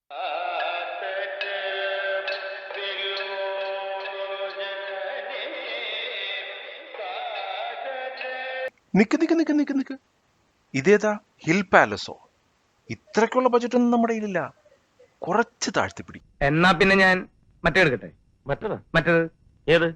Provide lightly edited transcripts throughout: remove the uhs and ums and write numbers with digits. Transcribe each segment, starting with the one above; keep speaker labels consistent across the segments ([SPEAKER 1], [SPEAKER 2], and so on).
[SPEAKER 1] നിക്ക് നിക്ക് നിക്ക് നിക്ക് നിക്ക്, ഇതേതാ? Hill palazzo? ഇത്രയ്ക്കുള്ള ബജറ്റൊന്നും നമ്മുടെ കയ്യിലില്ല. കുറച്ച് താഴ്ത്തിപ്പിടി.
[SPEAKER 2] എന്നാ പിന്നെ ഞാൻ മറ്റേ എടുക്കട്ടെ. മറ്റേത് ഏത്?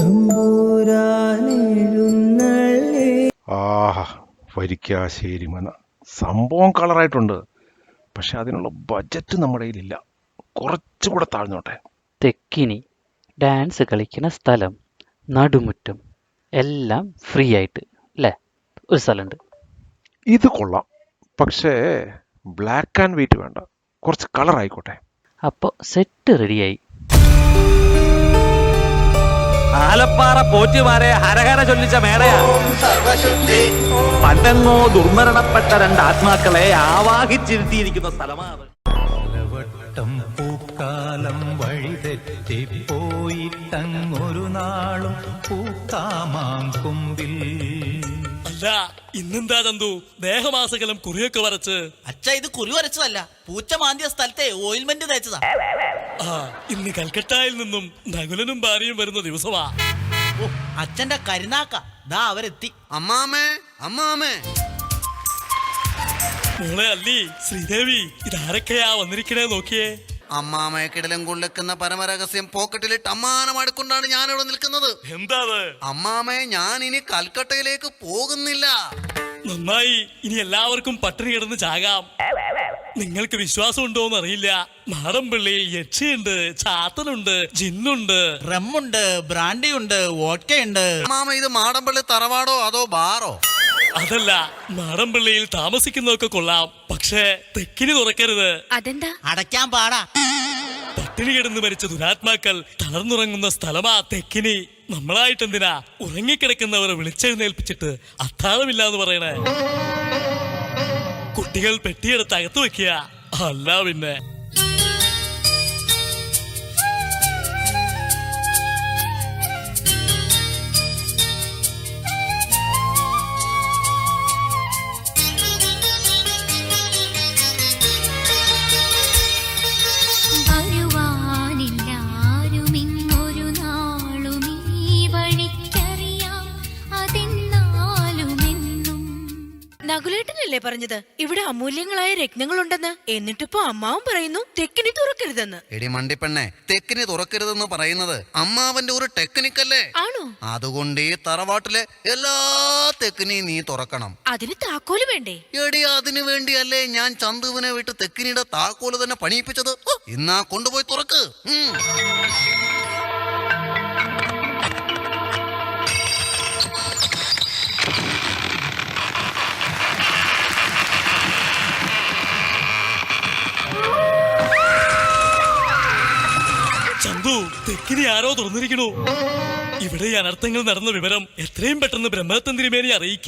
[SPEAKER 1] ആഹാ, വരിക്കാശ്ശേരി മന സംഭവം കളറായിട്ടുണ്ട്. പക്ഷെ അതിനുള്ള ബജറ്റ് നമ്മുടെ കയ്യിലില്ല. കുറച്ചുകൂടെ താഴ്ന്നോട്ടെ.
[SPEAKER 3] തെക്കിനി ഡാൻസ് കളിക്കുന്ന സ്ഥലം, നടുമുറ്റം എല്ലാം ഫ്രീ ആയിട്ട് അല്ലേ? ഒരു സ്ഥലമുണ്ട്.
[SPEAKER 1] ഇത് കൊള്ളാം. പക്ഷേ ബ്ലാക്ക് ആൻഡ് വൈറ്റ് വേണ്ട, കുറച്ച് കളർ ആയിക്കോട്ടെ.
[SPEAKER 3] അപ്പോൾ സെറ്റ് റെഡിയായി.
[SPEAKER 2] ആലപ്പാറ പോറ്റുമാരെ ഹരഹര ചൊല്ലിച്ച മേടയാ. പണ്ടെങ്ങോ ദുർമരണപ്പെട്ട രണ്ട് ആത്മാക്കളെ ആവാഹിച്ചിരുത്തിയിരിക്കുന്ന സ്ഥലമാണ്.
[SPEAKER 4] പൂക്കാലം വഴിതെറ്റിപ്പോയിട്ടങ്ങൊരു നാളും പൂക്കാമാങ്കൊമ്പിൽ.
[SPEAKER 5] അല്ല, ഇന്നെന്താ ചന്തു ദേഹമാസകലം കുറിയൊക്കെ വരച്ച്?
[SPEAKER 6] അച്ഛ, ഇത് കുറി വരച്ചതല്ല, പൂച്ച മാന്തിയ സ്ഥലത്തെ ഓയിൽമെന്റ് തേച്ചതാ.
[SPEAKER 5] ആ, ഇന്ന് കൽക്കട്ടയിൽ നിന്നും നകുലനും ഭാര്യയും വരുന്ന ദിവസമാ.
[SPEAKER 6] ഓ, അച്ഛന്റെ കരുനാക്ക ദാ അവരെത്തി.
[SPEAKER 7] അമ്മാമേ, അമ്മാമേ.
[SPEAKER 5] മോളെ അല്ലി, ശ്രീദേവി, ഇതാരൊക്കെയാ വന്നിരിക്കണേ നോക്കിയേ.
[SPEAKER 7] അമ്മാമയെ കിടലം കൊള്ളിക്കുന്ന പരമരഹസ്യം പോക്കറ്റിലിട്ട് അമ്മാനമടുക്കൊണ്ടാണ് ഞാനിവിടെ നിൽക്കുന്നത്.
[SPEAKER 5] എന്താ?
[SPEAKER 7] അമ്മാമേ, ഞാൻ ഇനി കൽക്കട്ടയിലേക്ക് പോകുന്നില്ല.
[SPEAKER 5] നന്നായി, ഇനി എല്ലാവർക്കും പട്ടിണി കിടന്ന് ചാകാം. നിങ്ങൾക്ക് വിശ്വാസം ഉണ്ടോന്ന് അറിയില്ല. മാടമ്പിള്ളി യക്ഷിയുണ്ട്, ചാത്തനുണ്ട്, ജിന്നുണ്ട്,
[SPEAKER 6] റമ്മുണ്ട്, ബ്രാൻഡിയുണ്ട്, വോഡ്കയുണ്ട്.
[SPEAKER 7] അമ്മാമ, ഇത് മാടമ്പള്ളി തറവാടോ അതോ ബാറോ?
[SPEAKER 5] അതല്ല, മാടമ്പിള്ളിയിൽ താമസിക്കുന്നതൊക്കെ കൊള്ളാം, പക്ഷേ തെക്കിനി തുറക്കരുത്.
[SPEAKER 8] അതെന്താ?
[SPEAKER 6] അടയ്ക്കാൻ പാടാ.
[SPEAKER 5] പട്ടിണി കിടന്ന് മരിച്ച ദുരാത്മാക്കൾ തളർന്നുറങ്ങുന്ന സ്ഥലമാ തെക്കിനി. നമ്മളായിട്ടെന്തിനാ ഉറങ്ങിക്കിടക്കുന്നവരെ വിളിച്ചെഴുന്നേൽപ്പിച്ചിട്ട് അത്താഴമില്ലാന്ന് പറയണേ? കുട്ടികൾ പെട്ടിയെടുത്ത് അകത്ത് വെക്കുക, അല്ല പിന്നെ.
[SPEAKER 8] നകുലേട്ടനല്ലേ പറഞ്ഞത് ഇവിടെ അമൂല്യങ്ങളായ രത്നങ്ങളുണ്ടെന്ന്? എന്നിട്ടിപ്പോ അമ്മാവും പറയുന്നു തെക്കിനി തുറക്കരുതെന്ന്.
[SPEAKER 7] എടി മണ്ടിപ്പെണ്ണെ, തെക്കിനി തുറക്കരുതെന്ന് പറയുന്നത് അമ്മാവന്റെ ഒരു ടെക്നിക്കല്ലേ?
[SPEAKER 8] ആണോ?
[SPEAKER 7] അതുകൊണ്ട് ഈ തറവാട്ടിലെ എല്ലാ തെക്കിനെയും നീ തുറക്കണം.
[SPEAKER 8] അതിന് താക്കോല് വേണ്ടേ?
[SPEAKER 7] എടി, അതിനു വേണ്ടിയല്ലേ ഞാൻ ചന്തുവിനെ വിട്ട് തെക്കിനിയുടെ താക്കോല് തന്നെ പണിയിപ്പിച്ചത്. ഇന്നാ കൊണ്ടുപോയി തുറക്ക്.
[SPEAKER 5] ചന്തു, തെക്കിനി ആരോ തുറന്നിരിക്കണു. ഇവിടെ ഈ അനർത്ഥങ്ങൾ നടന്ന വിവരം എത്രയും പെട്ടെന്ന് ബ്രഹ്മദത്തൻ തിരുമേനി അറിയിക്ക.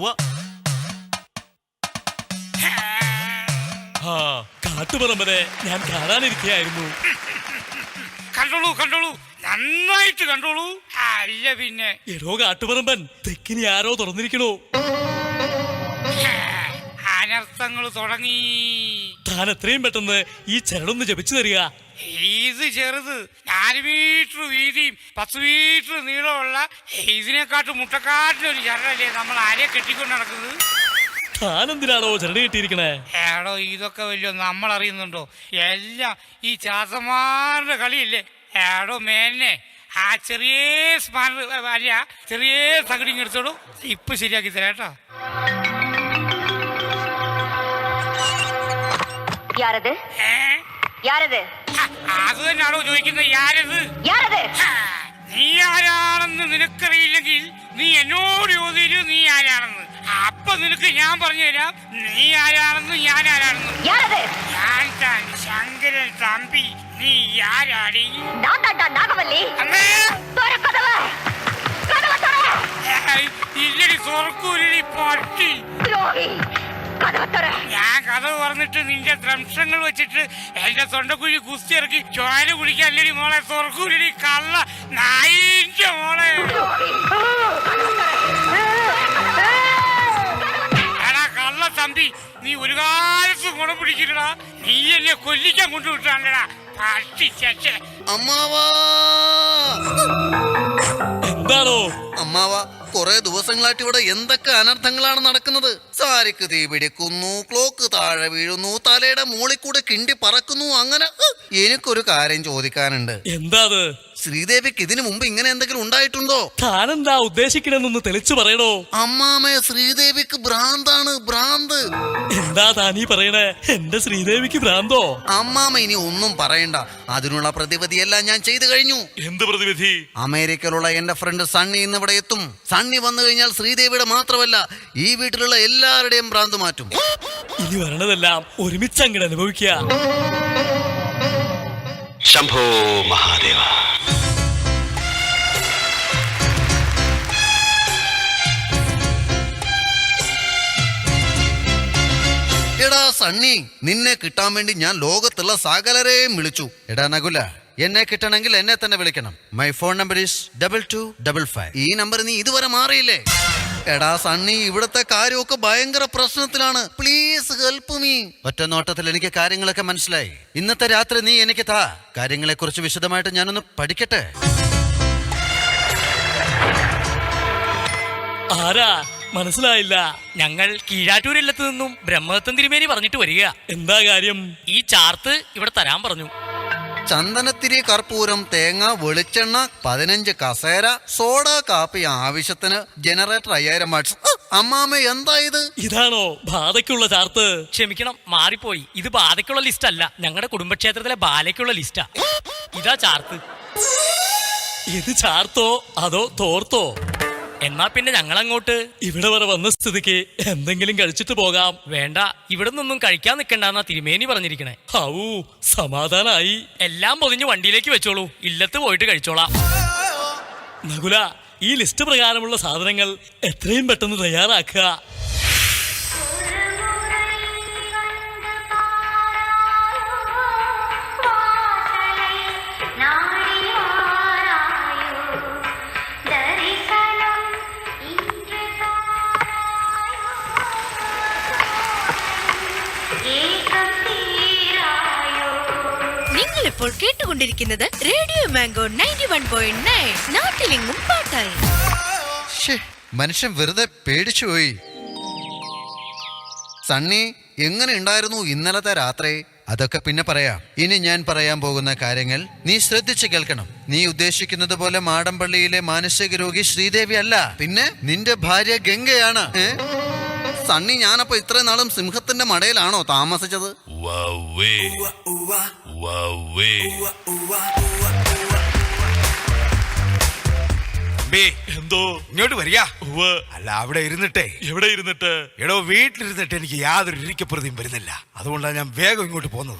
[SPEAKER 5] ആ, കാട്ടുപറമ്പനെ ഞാൻ കാണാനിരിക്കുകയായിരുന്നു.
[SPEAKER 9] കണ്ടോളൂ, നന്നായിട്ട് കണ്ടോളൂ. അല്ല പിന്നെ
[SPEAKER 5] എടോ കാട്ടുപറമ്പൻ, തെക്കിനി ആരോ തുറന്നിരിക്കണു.
[SPEAKER 9] അനർത്ഥങ്ങൾ തുടങ്ങി.
[SPEAKER 5] താൻ എത്രയും പെട്ടെന്ന് ഈ ചരടൊന്ന് ജപിച്ചു തരിക.
[SPEAKER 9] ഇത് ചെറുത്, 4 മീറ്റർ വീതിയും 10 മീറ്റർ നീളമുള്ള ഇതിനെക്കാട്ടും മുട്ടക്കാട്ടിലൊരു ചരടല്ലേ നമ്മൾ ആരെയെ കെട്ടിക്കൊണ്ട് നടക്കുന്നത്?
[SPEAKER 5] താനെന്തിനാണോ ചരട് കെട്ടിയിരിക്കണേ?
[SPEAKER 9] ഏടോ, ഇതൊക്കെ വലിയ നമ്മൾ അറിയുന്നുണ്ടോ? എല്ലാം ഈ ചാത്തന്മാരുടെ കളിയില്ലേ. ഏടോ മേനെ, ആ ചെറിയ ചെറിയ തകടിങ് എടുത്തോളൂ, ഇപ്പൊ ശരിയാക്കി തരാട്ടോ. അത് തന്നെയാണോ ചോദിക്കുന്നത്? യാരത്? നീ ആരാണെന്ന് നിനക്കറിയില്ലെങ്കിൽ നീ എന്നോട് ചോദിച്ചു നീ ആരാണെന്ന്. അപ്പൊ നിനക്ക് ഞാൻ പറഞ്ഞു തരാം നീ ആരാണെന്ന്, ഞാൻ ആരാണെന്ന്. ഞാൻ താൻ ശങ്കരൻ തമ്പി. നീ ആരാടി? ഇല്ലടി സ്വർക്കൂലി പട്ടി. ഞാൻ കഥ പറഞ്ഞിട്ട് നിന്റെ ദ്രംശങ്ങൾ വെച്ചിട്ട് എന്റെ തൊണ്ടക്കുഴി കുസ്തി ഇറക്കി ചോര കുടിക്കല്ലടി മോളെ. സ്വർക്കൂലി കള്ള നായിന്റെ മോളെ. എടാ കള്ള തമ്പി, നീ ഒരു കാലത്ത് ഗുണം പിടിക്കില്ലടാ. നീ എന്നെ കൊല്ലിക്കാൻ കൊണ്ടുവിട്ടാണല്ലടാ പട്ടി ശശേ.
[SPEAKER 7] അമ്മാവാ
[SPEAKER 5] എന്താണോ?
[SPEAKER 7] അമ്മാവാ, കുറെ ദിവസങ്ങളായിട്ട് ഇവിടെ എന്തൊക്കെ അനർത്ഥങ്ങളാണ് നടക്കുന്നത്. സാരിക്ക് തീ പിടിക്കുന്നു, ക്ലോക്ക് താഴെ വീഴുന്നു, തലയുടെ മുകളിൽ കൂടെ കിണ്ടി പറക്കുന്നു. അങ്ങനെ എനിക്കൊരു കാര്യം ചോദിക്കാനുണ്ട്.
[SPEAKER 5] എന്താ അത്?
[SPEAKER 7] ശ്രീദേവിക്ക് ഇതിനു മുമ്പ് ഇങ്ങനെ എന്തെങ്കിലും ഉണ്ടായിട്ടുണ്ടോ?
[SPEAKER 5] താനെന്താ ഉദ്ദേശിക്കണെന്നൊന്ന് തെളിച്ചു പറയണോ?
[SPEAKER 7] അമ്മാമേ, ശ്രീദേവിക്ക് ഭ്രാന്താണ്, ഭ്രാന്ത്.
[SPEAKER 5] എന്താ താനീ പറയണേ? എന്റെ ശ്രീദേവിക്ക് ഭ്രാന്തോ?
[SPEAKER 7] അമ്മാമ ഇനി ഒന്നും പറയണ്ട. അതിനുള്ള പ്രതിവിധിയെല്ലാം ഞാൻ ചെയ്തു കഴിഞ്ഞു.
[SPEAKER 5] എന്ത് പ്രതിവിധി?
[SPEAKER 7] അമേരിക്കയിലുള്ള എന്റെ ഫ്രണ്ട് സണ്ണി ഇന്ന് ഇവിടെ എത്തും. സണ്ണി വന്നു കഴിഞ്ഞാൽ ശ്രീദേവിയുടെ മാത്രമല്ല ഈ വീട്ടിലുള്ള എല്ലാവരുടെയും ഭ്രാന്ത് മാറ്റും.
[SPEAKER 5] ഇനി വരണതെല്ലാം ഒരുമിച്ച് അങ്ങോട്ട് അനുഭവിക്കുക.
[SPEAKER 10] ശംഭോ മഹാദേവ.
[SPEAKER 7] എടാ സണ്ണി, നിന്നെ കിട്ടാൻ വേണ്ടി ഞാൻ ലോകത്തുള്ള സകലരെയും വിളിച്ചു. എടാ നകുല, എന്നെ കിട്ടണമെങ്കിൽ എന്നെ തന്നെ വിളിക്കണം. My phone number is 2255. ഈ നമ്പർ നീ ഇതുവരെ മാറിയില്ലേ? എടാ സണ്ണി, ഇവിടുത്തെ കാര്യമൊക്കെ ഭയങ്കര പ്രശ്നത്തിലാണ്. Please help me. ഒറ്റ നോട്ടത്തിൽ എനിക്ക് കാര്യങ്ങളൊക്കെ മനസ്സിലായി. ഇന്നത്തെ രാത്രി നീ എനിക്ക് താ. കാര്യങ്ങളെ കുറിച്ച് വിശദമായിട്ട് ഞാനൊന്ന് പഠിക്കട്ടെ.
[SPEAKER 5] ആരാ? മനസ്സിലായില്ല.
[SPEAKER 6] ഞങ്ങൾ കീഴാറ്റൂരില്ലത്ത് നിന്നും ബ്രഹ്മദത്തൻ തിരുമേനി പറഞ്ഞിട്ട് വരിക.
[SPEAKER 5] എന്താ കാര്യം?
[SPEAKER 6] ഈ ചാർത്ത് ഇവിടെ തരാൻ പറഞ്ഞു.
[SPEAKER 7] ചന്ദനത്തിരി, കർപ്പൂരം, തേങ്ങ, വെളിച്ചെണ്ണ, 15 കസേര, സോഡ, കാപ്പി, ആവശ്യത്തിന് ജനറേറ്റർ 5000 വാട്ട്സ്. അമ്മാമ, എന്താ ഇത്?
[SPEAKER 5] ഇതാണോ ബാധയ്ക്കുള്ള ചാർത്ത്?
[SPEAKER 6] ക്ഷമിക്കണം, മാറിപ്പോയി. ഇത് ബാധയ്ക്കുള്ള ലിസ്റ്റ് അല്ല, ഞങ്ങളുടെ കുടുംബക്ഷേത്രത്തിലെ ബാലയ്ക്കുള്ള ലിസ്റ്റാ. ഇതാ ചാർത്ത്.
[SPEAKER 5] ഇത് ചാർത്തോ അതോ തോർത്തോ?
[SPEAKER 6] എന്നാ പിന്നെ ഞങ്ങളങ്ങോട്ട്.
[SPEAKER 5] ഇവിടെ വരെ വന്ന സ്ഥിതിക്ക് എന്തെങ്കിലും കഴിച്ചിട്ട് പോകാം.
[SPEAKER 6] വേണ്ട, ഇവിടെ നിന്നൊന്നും കഴിക്കാൻ നിൽക്കണ്ടെന്നാ തിരുമേനി പറഞ്ഞിരിക്കണേ.
[SPEAKER 5] ഹൗ, സമാധാനായി.
[SPEAKER 6] എല്ലാം പൊതിഞ്ഞ് വണ്ടിയിലേക്ക് വെച്ചോളൂ, ഇല്ലത്ത് പോയിട്ട് കഴിച്ചോളാം.
[SPEAKER 5] നകുല, ഈ ലിസ്റ്റ് പ്രകാരമുള്ള സാധനങ്ങൾ എത്രയും പെട്ടെന്ന് തയ്യാറാക്കുക.
[SPEAKER 8] നിങ്ങളിപ്പോൾ കേട്ടുകൊണ്ടിരിക്കുന്നത് റേഡിയോ മാംഗോ 91.9. നാട്ടിലെങ്ങും പാട്ടായി.
[SPEAKER 7] മനുഷ്യൻ വെറുതെ പേടിച്ചുപോയി. സണ്ണി, എങ്ങനെ ഉണ്ടായിരുന്നു ഇന്നലത്തെ രാത്രി? അതൊക്കെ പിന്നെ പറയാം. ഇനി ഞാൻ പറയാൻ പോകുന്ന കാര്യങ്ങൾ നീ ശ്രദ്ധിച്ച് കേൾക്കണം. നീ ഉദ്ദേശിക്കുന്നത് പോലെ മാടമ്പള്ളിയിലെ മാനസിക രോഗി ശ്രീദേവി അല്ല, പിന്നെ നിന്റെ ഭാര്യ ഗംഗയാണ്. സണ്ണി, ഞാനപ്പോ ഇത്രയും നാളും സിംഹത്തിന്റെ മടയിലാണോ താമസിച്ചത്?
[SPEAKER 10] എന്തോ ഇങ്ങോട്ട് വരിക. അല്ല, അവിടെ ഇരുന്നിട്ടേ.
[SPEAKER 5] എവിടെ ഇരുന്നിട്ട്?
[SPEAKER 10] എടോ, വീട്ടിലിരുന്നിട്ട് എനിക്ക് യാതൊരു ഇരിക്കപ്രതിയും വരുന്നില്ല. അതുകൊണ്ടാണ് ഞാൻ വേഗം ഇങ്ങോട്ട് പോന്നത്.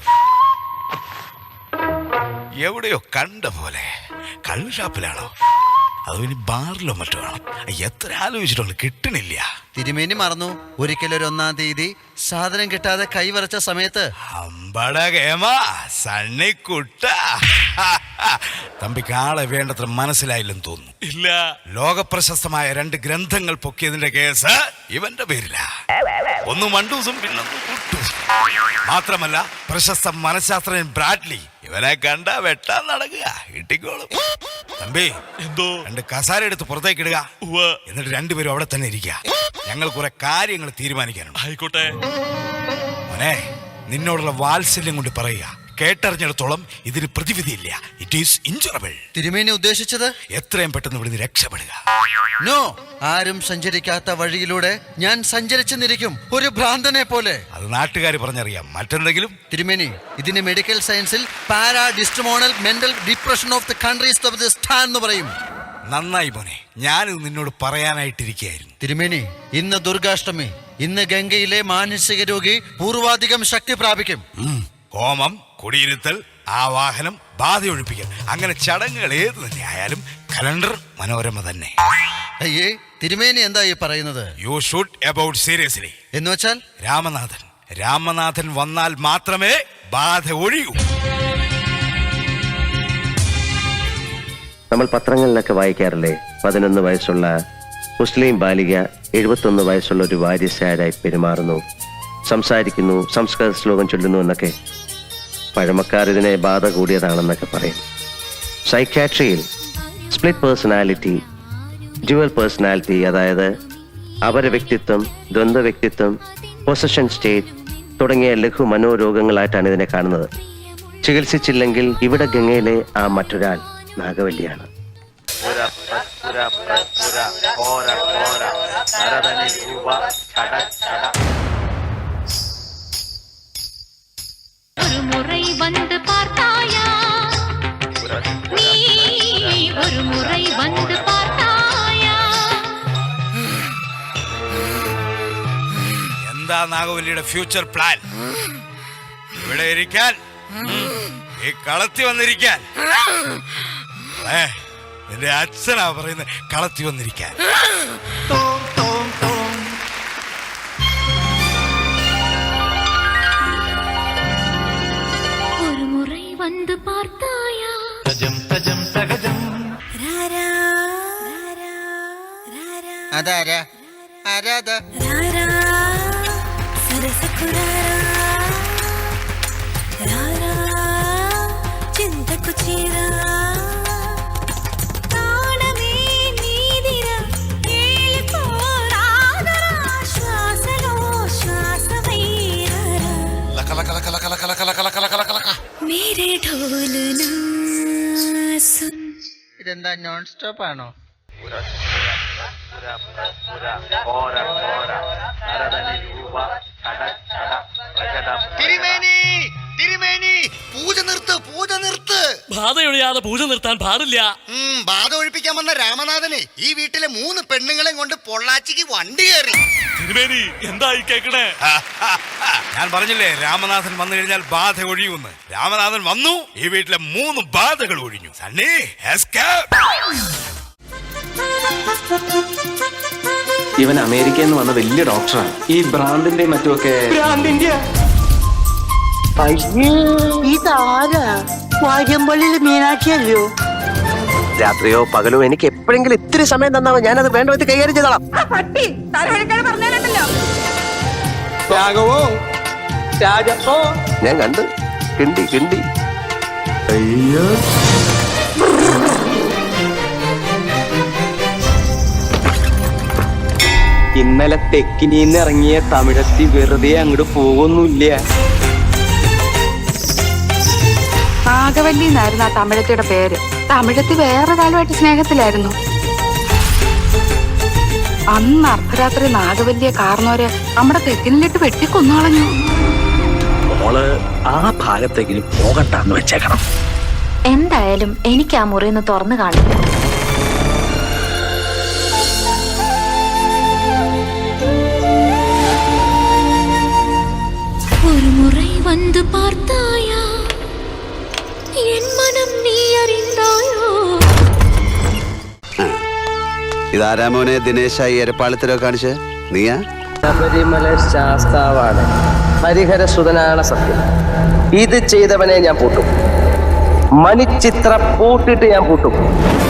[SPEAKER 10] എവിടെയോ കണ്ട പോലെ. കള്ള് ഷാപ്പിലാണോ അതോ ഇനി ബാറിലോ മറ്റോ ആണോ? എത്ര ആലോചിച്ചിട്ടുണ്ട്, കിട്ടണില്ല.
[SPEAKER 7] തിരുമേനി മറന്നു, ഒരിക്കലൊരു 1-ാം തീയതി സാധനം കിട്ടാതെ കൈവറച്ച സമയത്ത്.
[SPEAKER 10] അമ്പട കേമ സണ്ണിക്കുട്ട. തമ്പിക്ക് ആളെ വേണ്ടത്ര മനസ്സിലായില്ലെന്ന് തോന്നുന്നു.
[SPEAKER 5] ഇല്ല.
[SPEAKER 10] ലോകപ്രശസ്തമായ 2 ഗ്രന്ഥങ്ങൾ പൊക്കിയതിന്റെ കേസ് ഇവന്റെ പേരില. ഒന്ന് മണ്ടൂസും പിന്നൊന്ന് കുട്ടൂസും. മാത്രമല്ല, പ്രശസ്ത മനഃശാസ്ത്രജ്ഞൻ ബ്രാഡ്ലി ഇവനെ കണ്ട വെട്ടാൻ നടക്കുക. കിട്ടിക്കോളും. തമ്പി,
[SPEAKER 5] എന്തോ?
[SPEAKER 10] 2 കസാര എടുത്ത് പുറത്തേക്ക് ഇടുക. എന്നിട്ട് 2 പേരും അവിടെ തന്നെ ഇരിക്കുക. ഞങ്ങൾ കുറെ കാര്യങ്ങൾ തീരുമാനിക്കാനുണ്ട്.
[SPEAKER 5] ആയിക്കോട്ടെ.
[SPEAKER 10] മോനെ, നിന്നോടുള്ള വാത്സല്യം കൊണ്ട് പറയുക, കേട്ടറിഞ്ഞിടത്തോളം ഇതിന് പ്രതിവിധിയില്ല. It is ഇൻജുറബിൾ.
[SPEAKER 7] തിരുമേനി ഉദ്ദേശിച്ചത്
[SPEAKER 10] എത്രയും പെട്ടെന്ന് ഇവിടുന്ന് രക്ഷപ്പെടുക.
[SPEAKER 7] നോ, ആരും സഞ്ചരിക്കാത്ത വഴിയിലൂടെ ഞാൻ സഞ്ചരിച്ചെന്നിരിക്കും, ഒരു ഭ്രാന്തനെ പോലെ.
[SPEAKER 10] അത് നാട്ടുകാർ പറഞ്ഞറിയാം. മറ്റെന്തെങ്കിലും?
[SPEAKER 7] തിരുമേനി, ഇതിന് മെഡിക്കൽ സയൻസിൽ പാരാഡിസ്റ്റമോണൽ mental depression of the countries of the സ്റ്റാൻ എന്ന് പറയും.
[SPEAKER 10] നന്നായി മോനെ, ഞാനിത് നിന്നോട് പറയാനായിട്ടിരിക്കുകയായിരുന്നു.
[SPEAKER 7] തിരുമേനി, ഇന്ന് ദുർഗാഷ്ടമി. ഇന്ന് ഗംഗയിലെ മാനസിക രോഗി പൂർവാധികം ശക്തി പ്രാപിക്കും.
[SPEAKER 10] ഹോമം, കുടിയിരുത്തൽ, ആവാഹനം, ബാധയൊഴിപ്പിക്കൽ, അങ്ങനെ ചടങ്ങുകൾ ഏത് തന്നെ ആയാലും കലണ്ടർ മനോരമ തന്നെ.
[SPEAKER 7] അയ്യേ, തിരുമേനി എന്താ ഈ പറയുന്നത്?
[SPEAKER 10] You should about seriously.
[SPEAKER 7] എന്ന് വെച്ചാൽ
[SPEAKER 10] രാമനാഥൻ വന്നാൽ മാത്രമേ ബാധ ഒഴിയൂ.
[SPEAKER 11] നമ്മൾ പത്രങ്ങളിലൊക്കെ വായിക്കാറില്ലേ, 11 വയസ്സുള്ള മുസ്ലിം ബാലിക 71 വയസ്സുള്ള ഒരു വാര്യസാരായി പെരുമാറുന്നു, സംസാരിക്കുന്നു, സംസ്കൃത ശ്ലോകം ചൊല്ലുന്നു എന്നൊക്കെ പഴമക്കാർ ഇതിനെ ബാധ കൂടിയതാണെന്നൊക്കെ പറയും. സൈക്യാട്രിയിൽ സ്പ്ലിറ്റ് പേഴ്സണാലിറ്റി, ഡ്യുവൽ പേഴ്സണാലിറ്റി, അതായത് അപര വ്യക്തിത്വം, ദ്വന്ദ്വ വ്യക്തിത്വം, പൊസഷൻ സ്റ്റേറ്റ് തുടങ്ങിയ ലഘു മനോരോഗങ്ങളായിട്ടാണ് ഇതിനെ കാണുന്നത്. ചികിത്സിച്ചില്ലെങ്കിൽ ഇവിടെ ഗംഗയിലെ ആ മറ്റൊരാൾ നാഗവല്ലിയാണ്.
[SPEAKER 8] ഒരു മുறை வந்து பார்த்தாயா நீ ஒரு முறை வந்து பார்த்தாயா
[SPEAKER 10] എന്താ നാഗവല്ലിയുടെ ഫ്യൂച്ചർ പ്ലാൻ? ഇവിടെ ഇരിക്കാൻ, ഈ കളത്തി വന്നിരിക്കാൻ. എന്റെ അച്ഛനാ പറയുന്നത് കളത്തി വന്നിരിക്കാൻ.
[SPEAKER 8] ஒரு முறை வந்து பார்த்தாயா
[SPEAKER 7] അതാരാ ആരാധ
[SPEAKER 8] చింతకు చీరా മേരെ ഢോലന സുൻ.
[SPEAKER 7] ഇതെന്താ നോൺ സ്റ്റോപ്പ് ആണോ? തിരുമേനി, പൂജ നിർത്ത്, പൂജ നിർത്ത്.
[SPEAKER 5] ബാധയൊഴിയാതെ പൂജ നിർത്താൻ പാടില്ല.
[SPEAKER 7] ബാധ ഒഴിപ്പിക്കാൻ വന്ന രാമനാഥനെ ഈ വീട്ടിലെ 3 പെണ്ണുങ്ങളെയും കൊണ്ട് പൊള്ളാച്ചിക്ക് വണ്ടി കയറി.
[SPEAKER 5] തിരുമേനി എന്തായി കേക്കണേ?
[SPEAKER 10] ഞാൻ പറഞ്ഞില്ലേ രാമനാഥൻ വന്നു കഴിഞ്ഞാൽ ബാധ ഒഴിയുമെന്ന്. രാമനാഥൻ വന്നു, ഈ വീട്ടിലെ 3 ബാധകൾ ഒഴിഞ്ഞു. സണ്ണി എസ്കേപ്പ്.
[SPEAKER 2] ഇവൻ അമേരിക്കയിൽ നിന്ന് വന്ന വലിയ ഡോക്ടറാണ്. ഈ ഭ്രാന്തിന്റെ മറ്റുമൊക്കെ
[SPEAKER 11] മീനാക്ഷിയല്ലോ. രാത്രിയോ പകലോ എനിക്ക് എപ്പോഴെങ്കിലും ഇത്തിരി സമയം തന്നാമോ, ഞാനത് വേണ്ട വിധത്തിൽ കൈകാര്യം ചെയ്തോളാം. ഞാൻ കണ്ട് കിണ്ടി കിണ്ടി. അയ്യോ,
[SPEAKER 2] ഇന്നലെ തെക്കിനിന്ന് ഇറങ്ങിയ തമിഴത്തി വെറുതെ അങ്ങോട്ട് പോകുന്നില്ല.
[SPEAKER 8] നാഗവല്ലി എന്നായിരുന്നു ആ തമിഴത്തിയുടെ പേര്. തമിഴത്തി വേറെ കാലമായിട്ട് സ്നേഹത്തിലായിരുന്നു. അന്ന് അർദ്ധരാത്രി നാഗവല്ലിയെ കാർന്നോര് നമ്മുടെ തെക്കിനിലിട്ട് വെട്ടിക്കൊന്നുകളഞ്ഞു.
[SPEAKER 11] മോള് ആ ഭാഗത്തെങ്കിലും പോകണ്ടെന്ന് വെച്ചേക്കണം.
[SPEAKER 8] എന്തായാലും എനിക്ക് ആ മുറിന്ന് തുറന്നു കാണില്ല. ഒരു മുறை வந்து பார்த்தாயா என் மனம் நீ அறிந்தாயோ.
[SPEAKER 7] ഇതാരാമോനെ ദിനേശായി എരപ്പാളത്തിലോ കാണിച്ച് നീയാ?
[SPEAKER 11] ശബരിമല ശാസ്താവാണ്, ഹരിഹര സുതനാണ് സത്യം. ഇത് ചെയ്തവനെ ഞാൻ പൂട്ടും, മണിച്ചിത്ര പൂട്ടിട്ട് ഞാൻ പൂട്ടും.